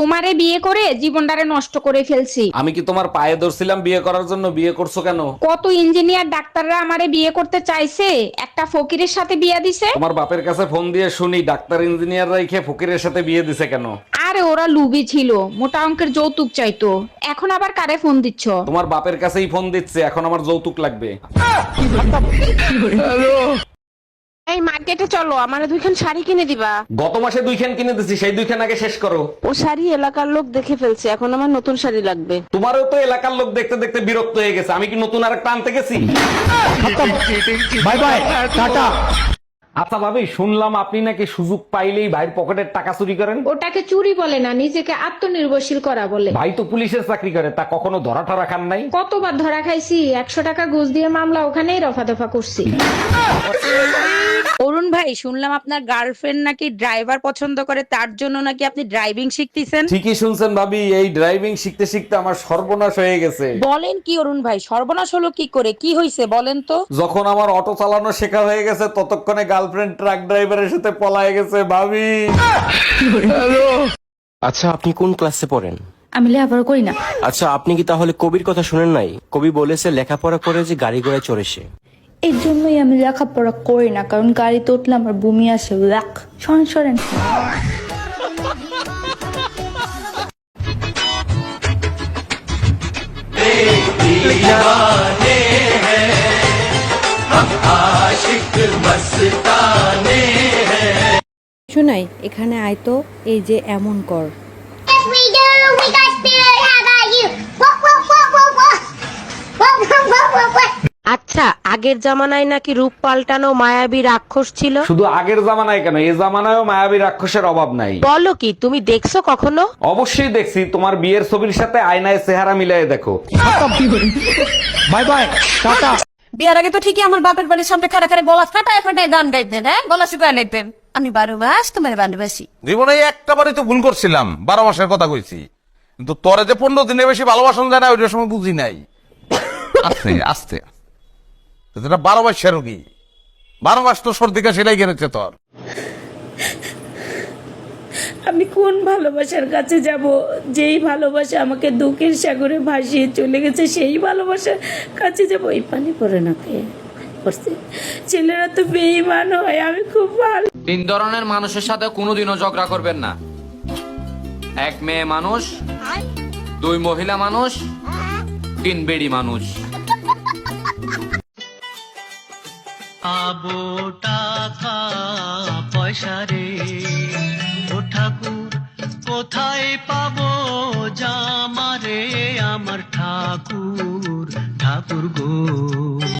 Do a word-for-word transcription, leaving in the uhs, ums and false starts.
তোমারে বিয়ে করে জীবনটারে নষ্ট করে ফেলছি। আমি কি তোমার পায়ে ধরছিলাম বিয়ে করার জন্য? বিয়ে করছো কেন? কত ইঞ্জিনিয়ার ডাক্তাররা আমারে বিয়ে করতে চাইছে, একটা ফকিরের সাথে বিয়ে দিছে। তোমার বাপের কাছে ফোন দিয়ে শুনি ডাক্তার ইঞ্জিনিয়ার রাইখে ফকিরের সাথে বিয়ে দিছে কেন? আরে ওরা লুবি ছিল, মোটা অঙ্কের যৌতুক চাইতো। এখন আবার কারে ফোন দিচ্ছ? তোমার বাপের কাছেই ফোন দিচ্ছে, এখন আমার যৌতুক লাগবে। এই মার্কেটে চলো, আমারে দুইখান শাড়ি কিনে দিবা। গত মাসে দুইখান কিনে দিছি, সেই দুইখান আগে শেষ করো। ও শাড়ি এলাকার লোক দেখে ফেলছে, এখন আমার নতুন শাড়ি লাগবে। তোমারও তো এলাকার লোক দেখতে দেখতে বিরক্ত হয়ে গেছে, আমি কি নতুন আর একটা আনতে গেছি? Bye bye, tata. আচ্ছা ভাবি, শুনলাম আপনি নাকি সুযোগ পাইলেই ভাইয়ের পকেটের টাকা চুরি করেন। ওটাকে চুরি বলে না, নিজেকে আত্মনির্ভরশীল করা বলে। ভাই তো পুলিশের চাকরি করে, তা কখনো ধরা ঠরা খান নাই? কতবার ধরা খাইছি, একশো টাকা ঘুষ দিয়ে মামলা ওখানেই রফা দফা করছি। অরুণ ভাই, শুনলাম আপনার গার্লফ্রেন্ড নাকি ড্রাইভার পছন্দ করে, তার জন্য নাকি আপনি ড্রাইভিং শিখতেছেন। ঠিকই শুনছেন ভাবি, এই ড্রাইভিং শিখতে শিখতে আমার সর্বনাশ হয়ে গেছে। বলেন কি অরুণ ভাই, সর্বনাশ হলো কি করে, কি হয়েছে বলেন তো? যখন আমার অটো চালানো শেখা হয়ে গেছে, ততক্ষণে গার্লফ্রেন্ড ট্রাক ড্রাইভারের সাথে পলায়ে গেছে ভাবি। আচ্ছা, আপনি কোন ক্লাসে পড়েন? আমি লেখাপড়া করি না। আচ্ছা, আপনি কি তাহলে কবির কথা শুনেন নাই? কবি বলেছে লেখাপড়া করে যে গাড়ি ঘোড়ায় চড়ে সে। এর জন্যই আমি লেখাপড়া করি না, কারণ গাড়িতে উঠলে আমার বমি আসে। লাখ সরেন সরেন। শোনাই, এখানে আয় তো, এই যে এমন কর। আচ্ছা, আগের জামানায় নাকি রূপ পাল্টানো মায়াবী রাক্ষস ছিল। শুধু আগের জামানায় কেন, এই জামানায়ও মায়াবী রাক্ষসের অভাব নাই। বলো কি, তুমি দেখছো কখনো? অবশ্যই দেখছি, তোমার বিয়ের ছবির সাথে আয়নায় চেহারা মিলাই দেখো। By bye, tata. বিয়ার আগে তো ঠিকই আমার বাপের বাড়ির সামনে খাড়া খাড়া গলা ফাটায় ফাটায় গান গাইতেন, হ্যাঁ, গলা শুকায় নিতেন। আমি বারো মাস তোমার ভালোবাসি। জীবনে একটা বারই তো ভুল করছিলাম, বারো মাসের কথা কইছি, কিন্তু তোরে যে পনেরো দিনের বেশি ভালোবাসন যায় না, ওইটার সময় বুঝি নাই। আস্তে আস্তে এটা বারো মাসের রোগী, বারো মাস তো সর্দি কাশি লেগে গেছে তোর। আমি কোন ভালোবাসার কাছে যাব? যেই ভালোবাসা আমাকে দুঃখের সাগরে ভাসিয়ে চলে গেছে, সেই ভালোবাসার কাছে যাব? এই পানি পড়ে না কে করছে? ছেলেরা তো বেঈমান হয়। আমি খুব ভালো। তিন ধরনের মানুষের সাথে কোনোদিনও ঝগড়া করবেন না। এক মেয়ে মানুষ, দুই মহিলা মানুষ, তিন বেড়ি মানুষ। আবো টাকা পয়সা রে, ও ঠাকুর কোথায় পাবো জামারে, আমার ঠাকুর ঠাকুর গো।